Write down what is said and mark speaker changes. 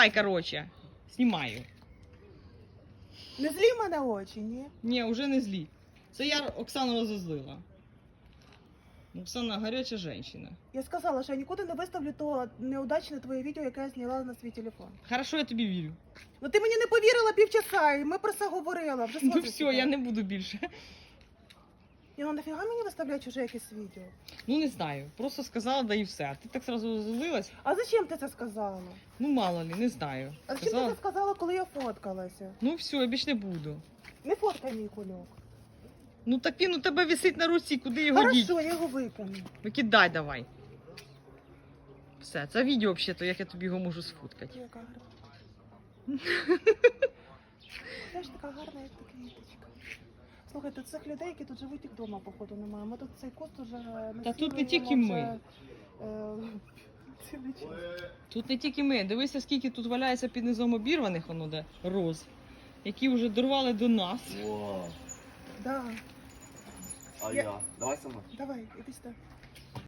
Speaker 1: Давай, короче, знімаю.
Speaker 2: Не злі в мене очі, ні?
Speaker 1: Ні, вже не злі. Це я Оксану розозлила. Оксана гаряча жінка.
Speaker 2: Я сказала, що я нікуди не виставлю то неудачне твоє відео, яке я зняла на свій телефон.
Speaker 1: Хорошо, я тобі вірю.
Speaker 2: Ну ти мені не повірила півчаса, і ми про це говорили. Вже
Speaker 1: Ну
Speaker 2: смотри
Speaker 1: все,
Speaker 2: сюди.
Speaker 1: я не буду більше.
Speaker 2: Ні, ну нафіга мені виставляти чуже якесь відео?
Speaker 1: Ну не знаю, просто сказала, да і все. А ти так сразу розозлилась.
Speaker 2: А зачем ти це сказала?
Speaker 1: Ну мало ли, не знаю.
Speaker 2: А зачем ти це сказала, коли я фоткалася?
Speaker 1: Ну все, я більше не буду.
Speaker 2: Не фоткай мій кульок.
Speaker 1: Ну так він у тебе висить на руці, куди його діть?
Speaker 2: Хорошо, я його викину.
Speaker 1: Викидай давай. Все, це відео взагалі, як я тобі його можу сфоткати.
Speaker 2: Яка гарна. Теж така гарна, як та квіточка. Слухайте, цих людей, які тут живуть, їх вдома, походу, немає. Ми тут цей куст уже
Speaker 1: Та тут не
Speaker 2: насіюємо
Speaker 1: тільки ми.
Speaker 2: цілий час.
Speaker 1: Тут не тільки ми. Дивися, скільки тут валяється під низом обірваних, воно де, роз, які вже дорвали до нас.
Speaker 3: Вау.
Speaker 2: Да.
Speaker 3: А
Speaker 2: Я-
Speaker 3: я? Давай сама.
Speaker 2: Давай, іди сюди.